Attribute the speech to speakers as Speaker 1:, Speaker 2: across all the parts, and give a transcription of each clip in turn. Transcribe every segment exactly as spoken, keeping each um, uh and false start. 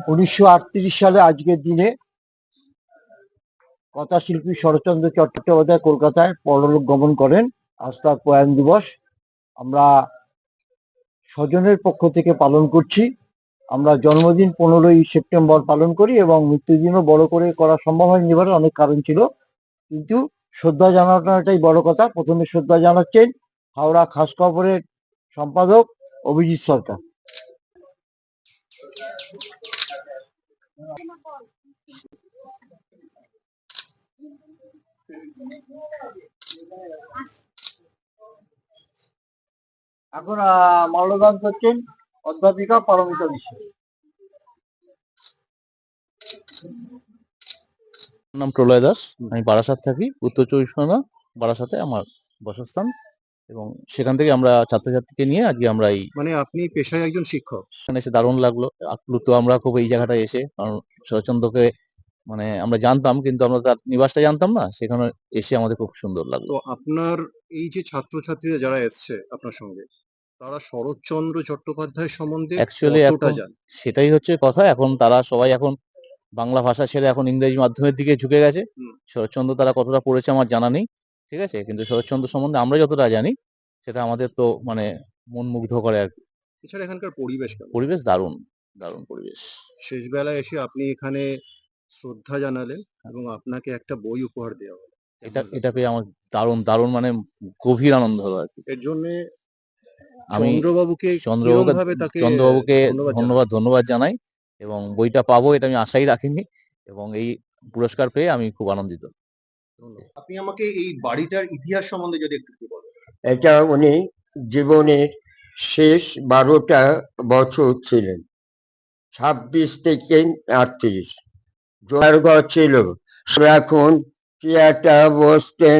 Speaker 1: উনিশশো আটত্রিশ সালে আজকের দিনে কথাশিল্পী শরৎচন্দ্র চট্টোপাধ্যায় কলকাতায় পরলোক গমন করেন। আজ তার প্রয়াণ দিবস আমরা স্বজনের পক্ষ থেকে পালন করছি। আমরা জন্মদিন পনেরোই সেপ্টেম্বর পালন করি এবং মৃত্যুদিনও বড় করে করা সম্ভব হয়নি, এবারে অনেক কারণ ছিল, কিন্তু শ্রদ্ধা জানানোটাই বড় কথা। প্রথমে শ্রদ্ধা জানাচ্ছেন হাওড়া খাস খবরের সম্পাদক অভিজিৎ সরকার। এখন মাল্যদান করছেন অধ্যাপিকা পারমিতা বিশ্বাস।
Speaker 2: নাম প্রলয় দাস, আমি বারাসাত থাকি, উত্তর চব্বিশ পরগনা বারাসাতে আমার বাসস্থান, এবং সেখান থেকে আমরা ছাত্রছাত্রীকে নিয়ে আজকে আমরা এই
Speaker 3: মানে আপনি পেশায় একজন শিক্ষক,
Speaker 2: এখানে এসে দারুণ লাগলো, আপ্লুত আমরা খুব এই জায়গাটায় এসে। কারণ শরৎচন্দ্রকে মানে আমরা জানতাম, কিন্তু আমরা তার নিবাসটা জানতাম না, সেখানে এসে আমাদের খুব সুন্দর লাগলো।
Speaker 3: তো আপনার এই যে ছাত্রছাত্রীরা যারা এসছে আপনার সঙ্গে, তারা শরৎচন্দ্র চট্টোপাধ্যায় সম্বন্ধে
Speaker 2: অ্যাকচুয়ালি
Speaker 3: কতটা
Speaker 2: এখন
Speaker 3: জানে?
Speaker 2: সেটাই হচ্ছে কথা, এখন তারা সবাই এখন বাংলা ভাষা ছেড়ে এখন ইংরেজি মাধ্যমের দিকে ঝুঁকে গেছে।
Speaker 3: হুম।
Speaker 2: শরৎচন্দ্র তারা কতটা পড়েছে আমার জানা নেই, ঠিক আছে, কিন্তু শরৎচন্দ্র সম্বন্ধে আমরা যতটা জানি সেটা আমাদের তো মানে মন মুগ্ধ করে আর কি।
Speaker 3: এছাড়া এখানকার পরিবেশ কেমন?
Speaker 2: পরিবেশ দারুণ, দারুণ পরিবেশ।
Speaker 3: শেষ বেলায় এসে আপনি এখানে শ্রদ্ধা জানালেন এবং আপনাকে একটা বই উপহার দেওয়া হলো।
Speaker 2: এটা
Speaker 3: কেমন
Speaker 2: এটা
Speaker 3: লাগলো?
Speaker 2: পেয়ে আমার দারুণ দারুণ মানে গভীর আনন্দ হলো আর কি।
Speaker 3: এর জন্যে
Speaker 2: আমি
Speaker 3: চন্দ্রবাবুকে কিরম
Speaker 2: চন্দ্রবাবুকে
Speaker 3: ভাবে তাকে
Speaker 2: চন্দ্রবাবুকে
Speaker 3: ধন্যবাদ জানান?
Speaker 2: ধন্যবাদ ধন্যবাদ জানাই, এবং বইটা পাবো এটা আমি আশাই রাখিনি, এবং এই পুরস্কার পেয়ে আমি খুব আনন্দিত।
Speaker 3: ধন্যবাদ। আপনি আমাকে এই বাড়িটার ইতিহাস সম্বন্ধে যদি একটু বলেন।
Speaker 1: এটা উনি জীবনের শেষ বারোটা বছর ছিলেন, ছাব্বিশ থেকে আটত্রিশ। জোয়ারঘর ছিল, এখন চেয়ারটা বসতেন,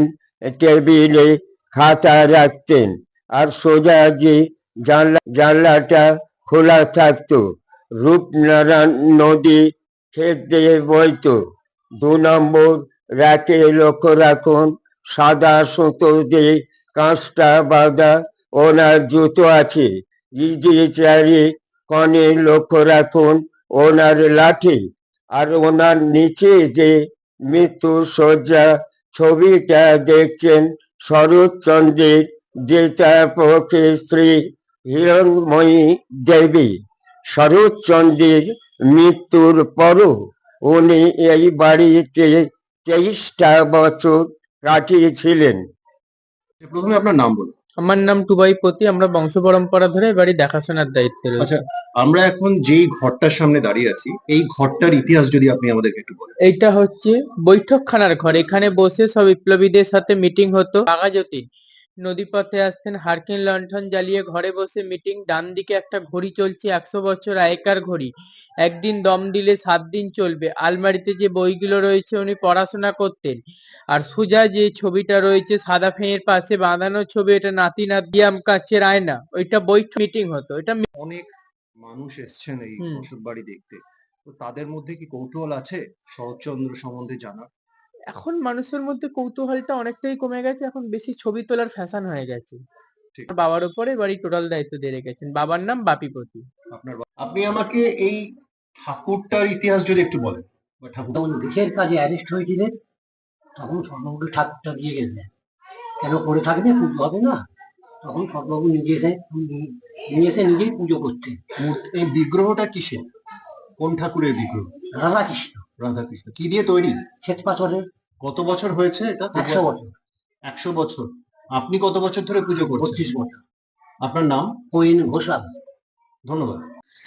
Speaker 1: টেবিলে খাতা রাখতেন, আর সোজা যে জানলা জানলাটা খোলা থাকতো, রূপনারায়ণ নদী ক্ষেত দিয়ে বইতো। দু নম্বর রাতে লক্ষ্য রাখুন, সাদা সুতো দিয়ে কাঁচটা বাঁধা ওনার জুতো আছে। ইজি চারি কনে লক্ষ্য রাখুন ওনার লাঠি, আর ওনার নিচে যে মৃত্যু শয্যা ছবিটা দেখছেন শরৎচন্দ্রের, যেটা পক্ষে স্ত্রী হিরণময়ী দেবী। শরৎচন্দ্রের মৃত্যুর পরও উনি এই বাড়িতে তেইশটা বছর কাটিয়েছিলেন।
Speaker 3: প্রথমে আপনার নাম বলুন।
Speaker 4: আমার নাম টুবাইপতি, আমরা বংশ পরম্পরা ধরে বাড়ি দেখাশোনার দায়িত্বে রয়েছে।
Speaker 3: আচ্ছা, আমরা এখন যেই ঘরটার সামনে দাঁড়িয়ে আছি, এই ঘরটার ইতিহাস যদি আপনি আমাদেরকে একটু বলেন।
Speaker 4: এইটা হচ্ছে বৈঠকখানার ঘর, এখানে বসে সব বিপ্লবীদের সাথে মিটিং হতো। বাঘাযতীন নদীপথে আসতেন, হারকিন লণ্ঠন জ্বালিয়ে ঘরে বসে মিটিং। ডান দিকে একটা ঘড়ি চলছে, একশো বছর আগেকার ঘড়ি, একদিন দম দিলে সাত দিন চলবে। আলমারিতে যে বইগুলো রয়েছে উনি পড়াশোনা করতেন। আর সোজা যে ছবিটা রয়েছে সাদা ফেঁয়ের পাশে বাঁধানো ছবি, এটা নাতি নাতি আম কাচের আয়না, ওইটা বৈঠক মিটিং হতো। এটা
Speaker 3: অনেক মানুষ এসছেন এই
Speaker 4: হুম।
Speaker 3: বসত বাড়ি দেখতে, তো তাদের মধ্যে কি কৌতূহল আছে শরৎচন্দ্র সম্বন্ধে জানার?
Speaker 4: এখন মানুষের মধ্যে কৌতূহলটা অনেকটাই কমে গেছে, এখন বেশি ছবি তোলার ফ্যাশন হয়ে গেছে।
Speaker 3: ঠিক।
Speaker 4: আমার বাবার উপরে বাড়ি টোটাল দায়িত্ব দিয়ে রেখেছেন, বাবার নাম বাপিপতি।
Speaker 3: আপনার বা- আপনি আমাকে এই ঠাকুরটার ইতিহাস যদি একটু বলেন, বা ঠাকুর।
Speaker 5: যখন দেশের কাজে অ্যারেস্ট হয়েছিলেন তখন স্বর্ণবাবু ঠাকুরটা দিয়ে গেছিলেন, কেন করে থাকবে, পুজো হবে না, তখন স্বর্ণবাবু নিজে এসে নিয়ে এসে নিজেই পুজো করতেন।
Speaker 3: মূর্তি- এই বিগ্রহটা কিসের, কোন ঠাকুরের বিগ্রহ?
Speaker 5: রাধাকৃষ্ণ,
Speaker 3: রাধাকৃষ্ণ। কি দিয়ে তৈরি?
Speaker 5: শ্বেত পাথরের।
Speaker 3: কত বছর হয়েছে এটা?
Speaker 5: একশো বছর।
Speaker 3: একশো বছর। আপনি কত বছর ধরে পুজো করছেন?
Speaker 5: বত্রিশ বছর।
Speaker 3: আপনার নাম?
Speaker 5: কোয়েন ঘোষাল।
Speaker 3: ধন্যবাদ।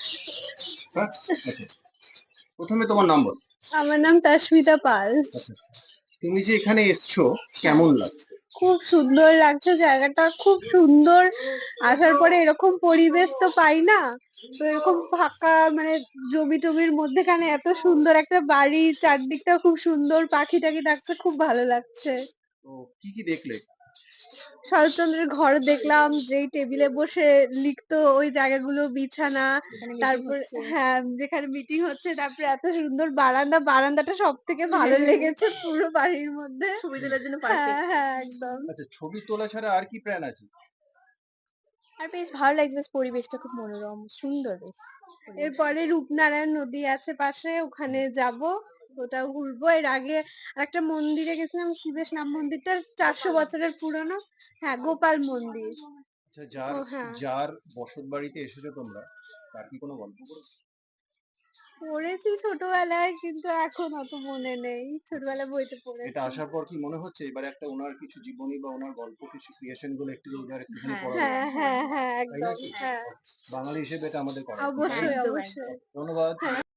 Speaker 3: প্রথমে তোমার নাম বল।
Speaker 6: আমার নাম তাস্মিতা পাল।
Speaker 3: তুমি যে এখানে এসছো, কেমন লাগছে?
Speaker 6: খুব সুন্দর লাগছে, জায়গাটা খুব সুন্দর। আসার পরে এরকম পরিবেশ তো পাই না, তো এরকম ফাঁকা মানে জমি টমির মধ্যেখানে এত সুন্দর একটা বাড়ি, চারদিকটা খুব সুন্দর, পাখি টাখি ডাকছে, খুব ভালো লাগছে।
Speaker 3: তো কি কি দেখলে?
Speaker 6: শরৎচন্দ্রের ঘর দেখলাম, যেই টেবিলে বসে লিখতো ওই জায়গাগুলো, বিছানা, তারপর হ্যাঁ যেখানে মিটিং হচ্ছে, তারপরে এত সুন্দর বারান্দা, বারান্দাটা সব থেকে ভালো লেগেছে পুরো বাড়ির মধ্যে, ছবি তোলার জন্য হ্যাঁ হ্যাঁ একদম।
Speaker 3: আচ্ছা, ছবি তোলা ছাড়া আর কি প্ল্যান আছে?
Speaker 6: আর বেশ ভালো লাগছে, বেশ পরিবেশটা খুব মনোরম সুন্দর বেশ। এরপরে রূপনারায়ণ নদী আছে পাশে, ওখানে যাব, ওটাও ঘুরবো। এর আগে একটা মন্দিরে গেছিলাম, কি বেশ নাম মন্দিরটা, চারশো বছরের পুরনো, হ্যাঁ গোপাল মন্দির।
Speaker 3: আচ্ছা, যার
Speaker 6: ও হ্যাঁ,
Speaker 3: যার বসত বাড়িতে এসেছো তোমরা, তার কি কোনো গল্প করেছো?
Speaker 6: পড়েছি ছোটবেলায়, কিন্তু এখন অত মনে নেই, ছোটবেলায় বইতে
Speaker 3: এটা
Speaker 6: পড়েছি।
Speaker 3: আসার পর কি মনে হচ্ছে এবারে একটা ওনার কিছু জীবনী বা ওনার গল্প কিছু ক্রিয়েশন গুলো একটু ওনার একটুখানি
Speaker 7: হ্যাঁ,
Speaker 3: পড়া
Speaker 6: হ্যাঁ
Speaker 3: উচিত,
Speaker 6: হ্যাঁ হ্যাঁ
Speaker 3: তাই না
Speaker 6: একদম,
Speaker 3: কি?
Speaker 6: হ্যাঁ
Speaker 3: বাঙালি হিসেবে এটা আমাদের করা উচিত, তাই না?
Speaker 6: অবশ্যই
Speaker 7: একদম,
Speaker 6: অবশ্যই।
Speaker 3: ধন্যবাদ।
Speaker 6: হ্যাঁ।